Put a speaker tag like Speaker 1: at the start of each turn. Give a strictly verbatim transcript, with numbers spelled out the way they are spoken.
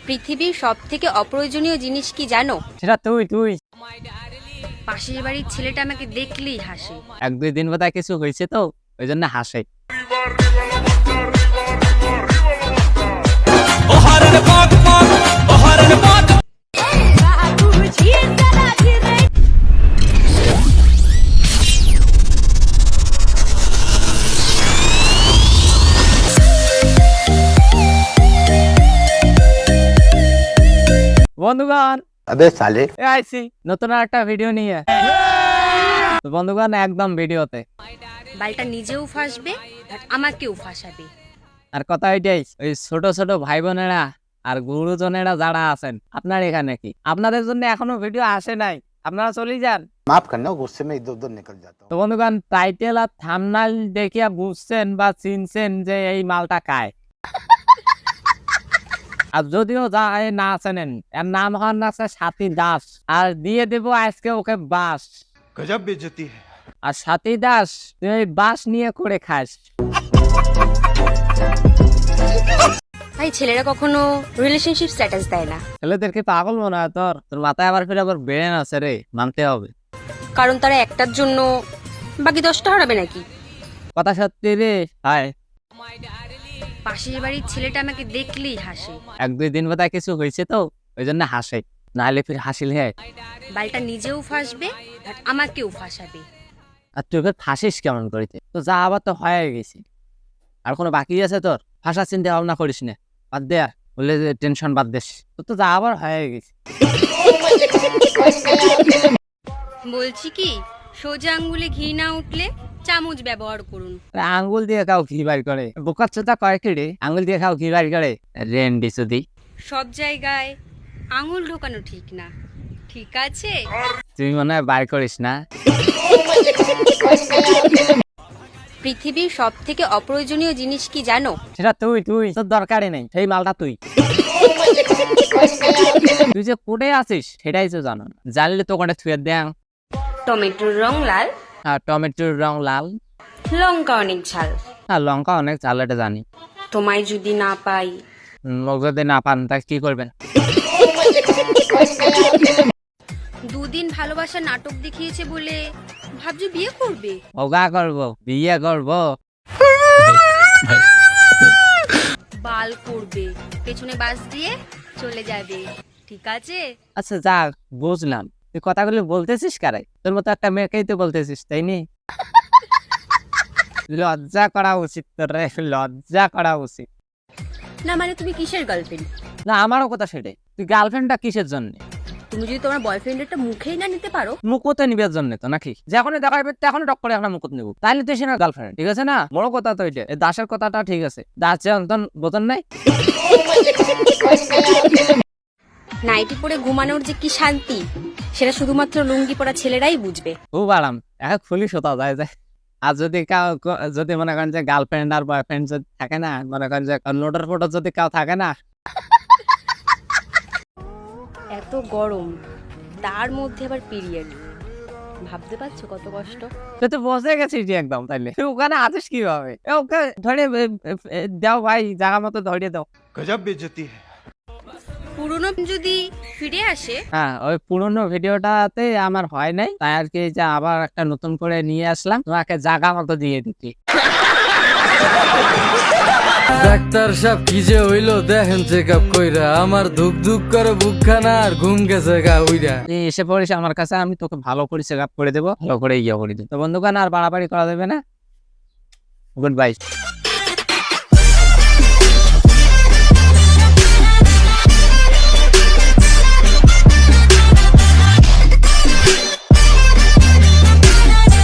Speaker 1: পৃথিবীর সবথেকে অপ্রয়োজনীয় জিনিস কি জানো?
Speaker 2: সেটা তুই তুই
Speaker 1: পাশের বাড়ির ছেলেটা আমাকে দেখলেই হাসে।
Speaker 2: এক দুই দিন বোধহয় কিছু হয়েছে তো ওই জন্য হাসে। বন্ধুগণ
Speaker 3: अबे साले
Speaker 2: এ আইছি নতুন একটা ভিডিও নিয়ে। তো বন্ধুগণ একদম ভিডিওতে
Speaker 1: বালটা নিজেও ফাঁসবে আর আমাকেও ফাঁসাবে।
Speaker 2: আর কথা এটাই, ওই ছোট ছোট ভাই বোনেরা আর গুরুজনেরা যারা আছেন আপনার এখানে কি আপনাদের জন্য এখনো ভিডিও আসে নাই, আপনারা চলেই যান।
Speaker 3: माफ करना गुस्से में इधर उधर निकल जाता हूँ।
Speaker 2: তো বন্ধুগণ টাইটেল আর থাম্বনেল দেখিয়া বুঝছেন বা চিনছেন যে এই মালটা কায়। আর যদিও যা এ না চেনেন, এর নাম হন আছে সাথী দাস, আর দিয়ে দেব আজকে ওকে বাস।
Speaker 3: गजब बेइज्जती है।
Speaker 2: আর সাথী দাস তুই এই বাস নিয়ে করে খাস।
Speaker 1: ভাই ছেলেরা কখনো রিলেশনশিপ স্ট্যাটাস দেয় না,
Speaker 2: ছেলেদেরকে পাগল মনে হয় তোর? তোর মাথায় আবার ফিরে আবার ব্রেন আছে রে, মানতে হবে।
Speaker 1: কারণ তারা একটার জন্য বাকি দশটা হারাবে নাকি।
Speaker 2: কথা সত্যি রে। হায়,
Speaker 1: পাশের বাড়ির ছেলেটা আমাকে দেখলেই হাসে।
Speaker 2: এক দুই দিন বোধহয় কিছু হয়েছে তো ওই জন্য হাসে, নাহলে ফির হাসিল হে।
Speaker 1: বালটা নিজেও ফাঁসবে আর আমাকেও ফাঁসাবে।
Speaker 2: আর তুই এবার ফাঁসিস কেমন করিতে? তো যা আবার তো হয়ে গেছি, আর কোনো বাকি আছে তোর? ফাঁসা চিন্তা ভাবনা করিস না, বাদ দে, আর বললে যে টেনশন বাদ দেস, তোর তো যা আবার হয়ে গেছি।
Speaker 1: বলছি কি, সোজা আঙ্গুলে ঘি না উঠলে চামচ ব্যবহার করুন।
Speaker 2: আঙ্গুল দিয়ে খাও ঘি বার করে, বোকার চোদা কয় কি রে? আঙ্গুল দিয়ে খাও ঘি বার করে রেন্ডি সুদি।
Speaker 1: সব জায়গায় আঙুল ঢোকানো ঠিক না, ঠিক আছে?
Speaker 2: তুই মনে হয় বার করিস না।
Speaker 1: পৃথিবীর সবথেকে অপ্রয়োজনীয় জিনিস কি জানো?
Speaker 2: সেটা তুই তুই তোর দরকারই নেই, সেই মালটা তুই। তুই যে কোটে আছিস সেটাই তো জানো না, জানলে তো কোটে থুয়ে দেয়।
Speaker 1: টমেটোর রং লাল,
Speaker 2: আর টমেটোর রং লাল,
Speaker 1: লঙ্কা অনেক ঝাল।
Speaker 2: আর লঙ্কা অনেক ঝাল, এটা জানি।
Speaker 1: তোমায় যদি না পাই,
Speaker 2: লোক যদি না পান তা কি করবেন?
Speaker 1: দুদিন ভালোবাসা নাটক দেখিয়েছে বলে ভাবছি বিয়ে করবে।
Speaker 2: ওগা করবো, বিয়ে করবো,
Speaker 1: বাল করবে, পেছনে বাস দিয়ে চলে যাবে, ঠিক আছে?
Speaker 2: আচ্ছা যাক বুঝলাম। তুই কথাগুলো বলতেছিস কারে? তোর মতো একটা মেয়েকেই তো বলতেছিস, তাই নি? লজ্জা করা উচিত তোর রে, লজ্জা করা উচিত।
Speaker 1: না মানে তুমি কিসের গার্লফ্রেন্ড?
Speaker 2: না আমারও কথা সেটাই, তুই গার্লফ্রেন্ডটা কিসের জন্য?
Speaker 1: তুমি যদি তোমার বয়ফ্রেন্ডেরটা মুখেই না নিতে পারো।
Speaker 2: মুকুতে নিবার জন্য তো নাকি? যখনই দেখা যাবে তখনই টক করে একটা মুকুত নেবো, তাইলে তুই সে না গার্লফ্রেন্ড, ঠিক আছে না? বড় কথা তো এটা, এই দাসের কথাটা ঠিক আছে, দাস যে অন্তন বোতন নাই।
Speaker 1: নাইটি পরে ঘুমানোর যে কি শান্তি, সেটা শুধুমাত্র লুঙ্গি পরা ছেলেরাই বুঝবে।
Speaker 2: খুব আরাম, এখন খুলি শোতা যায় যায়। আর যদি কাউ যদি মনে করেন যে গার্লফ্রেন্ড আর বয়ফ্রেন্ড যদি থাকে না, মনে করেন যে নোটের ফটো যদি কেউ থাকে না,
Speaker 1: এত গরম, তার মধ্যে আবার পিরিয়ড, ভাবতে পারছো কত কষ্ট?
Speaker 2: তুই তো বসে গেছিস যে একদম, তাইলে তুই ওখানে আছিস কিভাবে? এ ওকে ধরে এ, এ, এ, দাও ভাই, জায়গা মতো ধরিয়ে দাও।
Speaker 3: गजब बेइज्जती है।
Speaker 1: পুরনো যদি ফিরে আসে।
Speaker 2: হ্যাঁ, ওই পুরোনো ভিডিওটাতে আমার হয় নাই, তাই আর কি যে আবার একটা নতুন করে নিয়ে আসলাম, তোমাকে জায়গা মতো দিয়ে দিচ্ছি।
Speaker 4: ডাক্তার সাহেব কি যে হইলো দেখেন চেক আপ কইরা, আমার ধুক ধুক করে বুকখানা আর ঘুম গেছে গা উইরা।
Speaker 2: তুই এসে পড়িস আমার কাছে, আমি তোকে ভালো করে চেক আপ করে দেবো, ভালো করে ইয়ে করে দেবো। তো বন্ধুগণ আর বাড়াবাড়ি করা যাবে না, গুড বাই।